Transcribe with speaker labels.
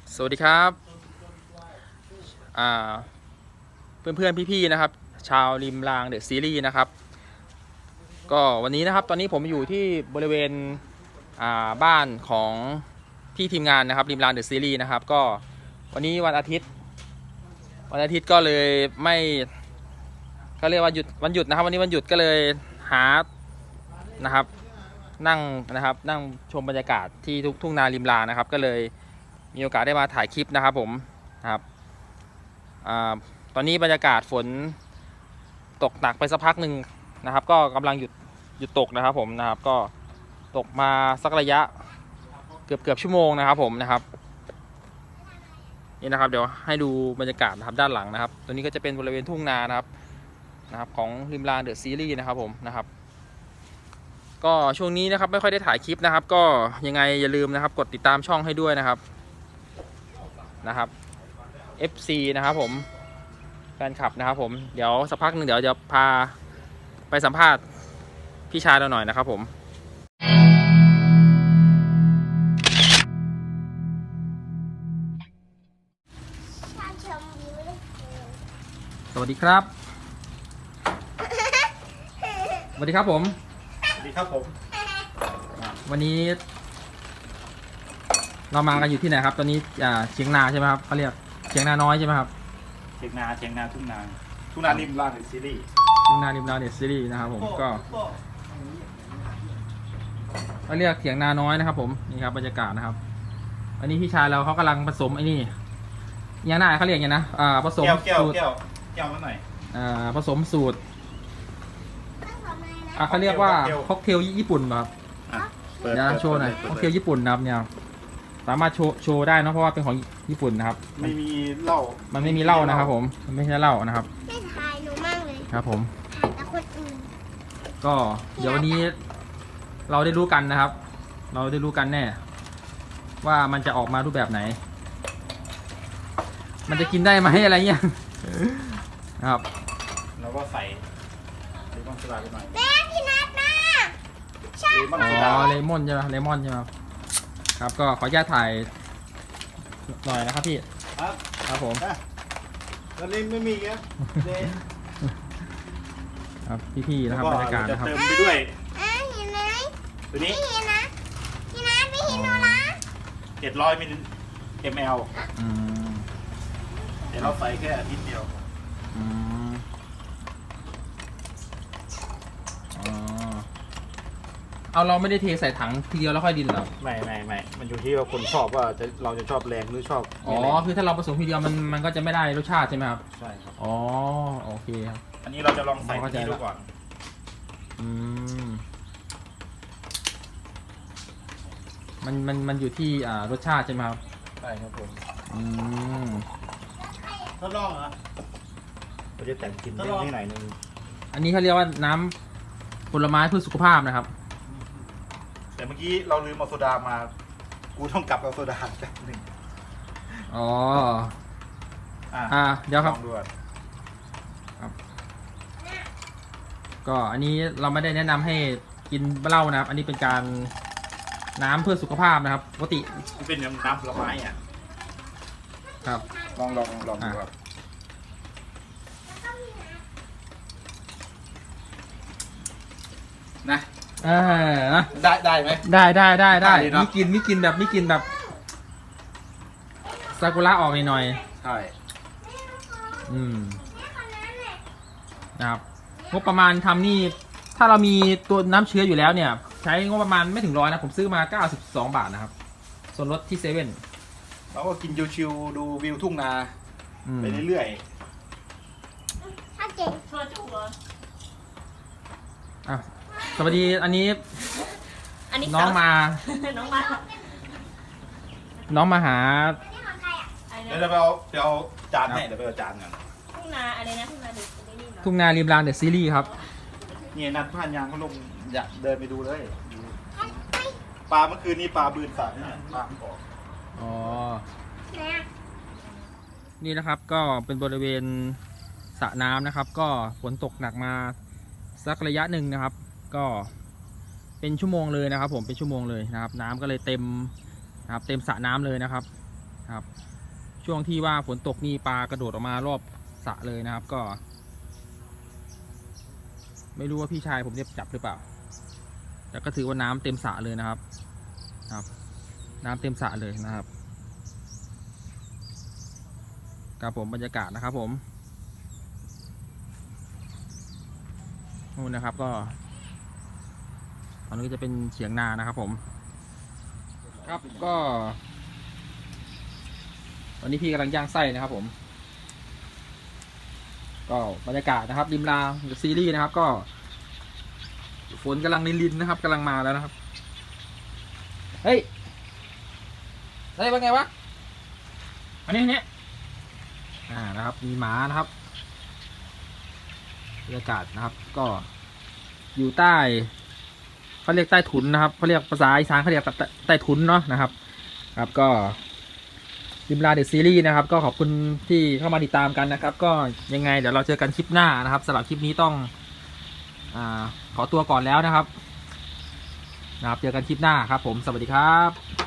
Speaker 1: สวัสดีครับเพื่อนๆพี่ๆนะครับชาวริมรางเดอะซีรีส์นะครับก็วันนี้นะครับตอนนี้ผมอยู่ที่บริเวณบ้านของพี่ทีมงานนะครับริมรางเดอะซีรีส์นะครับก็วันนี้วันอาทิตย์ก็เลยไม่ก็เรียกว่าหยุดวันหยุดนะครับวันนี้วันหยุดก็เลยหานะครับนั่งชมบรรยากาศที่ทุ่งนาริมรางนะครับก็เลยมีโอกาสได้มาถ่ายคลิปนะครับผมนะครับตอนนี้บรรยากาศฝนตกหนักไปสักพักหนึ่งนะครับก็กำลังหยุดตกนะครับผมนะครับก็ตกมาสักระยะเกือบชั่วโมงนะครับผมนะครับนี่นะครับเดี๋ยวให้ดูบรรยากาศนะครับด้านหลังนะครับตัวนี้ก็จะเป็นบริเวณทุ่งนานะครับของริมรางเดอะซีรีส์นะครับผมนะครับก็ช่วงนี้นะครับไม่ค่อยได้ถ่ายคลิปนะครับก็ยังไงอย่าลืมนะครับกดติดตามช่องให้ด้วยนะครับ FC นะครับผมแฟนคลับนะครับผมเดี๋ยวสักพักหนึ่งเดี๋ยวจะพาไปสัมภาษณ์พี่ชายเราหน่อยนะครับผมสวัสดีครับสวัสดีครับผม
Speaker 2: สวัสดีครับผม
Speaker 1: วันนี้เรามากันอยู่ที่ไหนครับตอนนี้เชียงนาใช่ไหมครับเขาเรียกเชียงนาน้อยใช่ไหมครับ
Speaker 2: เชียงนาทุ่งนาริมรางซีรีส์
Speaker 1: ทุ่งนาริมรางเดอะซีรีส์นะครับผมก็เขาเรียกเถียงนาน้อยนะครับผมนี่ครับบรรยากาศนะครับอันนี้พี่ชายเราเขากำลังผสมไอ้นี่ยังหน้าเขาเรียกอย่างนะผสมสูตร
Speaker 2: แก้วมาหน่อย
Speaker 1: ผสมสูตรเขาเรียกว่าค็อกเทลญี่ปุ่นครับเดี๋ยวโชว์หน่อยค็อกเทลญี่ปุ่นนะครับเนี่ยสามารถโชว์ได้นะเพราะว่าเป็นของญี่ปุ่นนะครับ
Speaker 2: ไม่มีเหล้า
Speaker 1: มันไม่มีเหล้านะครับผมมันไม่ใช่เหล้านะครับ
Speaker 3: ไม่ถ่ายหนูมากเลย
Speaker 1: ครับผม
Speaker 3: ถ่ายแต่คนอื่น
Speaker 1: ก็เดี๋ยววันนี้เราได้รู้กันนะครับเราได้รู้กันแน่ว่ามันจะออกมารูปแบบไหนมันจะกินได้ไหมอะไรเงี้ยนะครับ
Speaker 2: เราก็ใส่เลมอนโซดาไปหน่อย
Speaker 3: แม่พี่นัทนะใช่
Speaker 1: เลมอนใช่ไหมเลมอนใช่ไหมครับก็ขออนุญาตถ่ายหน่อยนะครับพี่ครับผม
Speaker 2: ตอนนี้ไม่มีครับ
Speaker 1: ครับพี่ๆนะครับบรรยากาศนะครับ
Speaker 2: เติมไปด้วย
Speaker 3: เห็นไหม
Speaker 2: ตัวนี้
Speaker 3: ไม่เห็นนะพี่นัทไม่เห็นหนูนะ
Speaker 2: 700 ml เดี๋ยวเราใส่แค่นิดเดียว
Speaker 1: เอาเราไม่ได้เทใส่ถังทีเดียวแล้วค่อยดินหรอ
Speaker 2: ไม่มันอยู่ที่ว่าคนชอบว่าเราจะชอบแรงหรือชอบ
Speaker 1: คือถ้าเราผสมทีเดียวมันก็จะไม่ได้รสชาติใช่ไหมครับ
Speaker 2: ใช่ครับ
Speaker 1: โอเคครับ
Speaker 2: อันนี้เราจะลองใส่ที่ดูก่อน
Speaker 1: มันอยู่ที่รสชาติใช่ไหมครับ
Speaker 2: ใช่ครับผมทดลองเหรอเราจะแต่งกลิ่นนิดหน่อยนึง
Speaker 1: อันนี้เขาเรียกว่าน้ำผลไม้เพื่อสุขภาพนะครับ
Speaker 2: แต่เมื่อกี้เราลืมเอาโซดามากูต้องกลับเอาโซดาแป๊บนึง
Speaker 1: เดี๋ยวครับก็อันนี้เราไม่ได้แนะนำให้กินเหล้านะครับอันนี้เป็นการน้ำเพื่อสุขภาพนะครับปกติ
Speaker 2: มันเป็นน้ำผลไม้อ่ะ
Speaker 1: ครับ
Speaker 2: ลองดูครับนะได้ไหม
Speaker 1: ได้มีกินแบบซากุระออกหน่อย
Speaker 2: ใช่
Speaker 1: นะครับงบประมาณทำนี่ถ้าเรามีตัวน้ำเชื้ออยู่แล้วเนี่ยใช้งบประมาณไม่ถึง100นะผมซื้อมา92 บาทนะครับส่วนลดที่เซเว่น
Speaker 2: เราก็กินชิวๆดูวิวทุ่งนาไปเรื่อยๆ
Speaker 3: ถ้าเก่ง
Speaker 4: ชวนจุกเหรอ
Speaker 1: สวัสดีอันนี้น้องมาหา
Speaker 2: เดี๋ยวไปเอาจานให้เดี๋ยวไปเอาจานกัน
Speaker 4: ทุ่งนาอะไรนะ
Speaker 1: ทุ่งนาริมรางเดอะซีรีส์ครับ
Speaker 2: เนี่ยนัดผ่านยางเขาลงอยากเดินไปดูเลยปลาเมื่อคืนนี้ปลาบืนสาดเนี่ยปลาออก
Speaker 1: นี่นะครับก็เป็นบริเวณสระน้ำนะครับก็ฝนตกหนักมาสักระยะหนึ่งนะครับก็เป็นชั่วโมงเลยนะครับผมเป็นชั่วโมงเลยนะครับน้ำก็เลยเต็มนะครับเต็มสระน้ำเลยนะครับครับ ช่วงที่ว่าฝนตกนี่ปลากระโดดออกมารอบสระเลยนะครับ ก็ ไม่รู้ว่าพี่ชายผมจะจับหรือเปล่าแต่ก็ถือว่าน้ำเต็มสระเลยนะครับน้ำเต็มสระเลยนะครับครับผมบรรยากาศนะครับผมนู่นนะครับก็ตอนนี้ก็จะเป็นเฉียงนานะครับผมครับก็วันนี้พี่กำลังย่างไส้นะครับผมก็บรรยากาศนะครับริมรางซีรีส์นะครับก็ฝนกำลังลินๆนะครับกำลังมาแล้วนะครับเฮ้ยได้เป็นไงวะอันนี้นะครับมีหมานะครับบรรยากาศนะครับก็อยู่ใต้เขาเรียกใต้ถุนนะครับเขาเรียกภาษาอีสานเขาเรียกใต้ถุนเนาะนะครับครับก็ริมลาเดอะซีรีส์นะครับก็ขอบคุณที่เข้ามาติดตามกันนะครับก็ยังไงเดี๋ยวเราเจอกันคลิปหน้านะครับสำหรับคลิปนี้ต้องขอตัวก่อนแล้วนะครับเจอกันคลิปหน้าครับผมสวัสดีครับ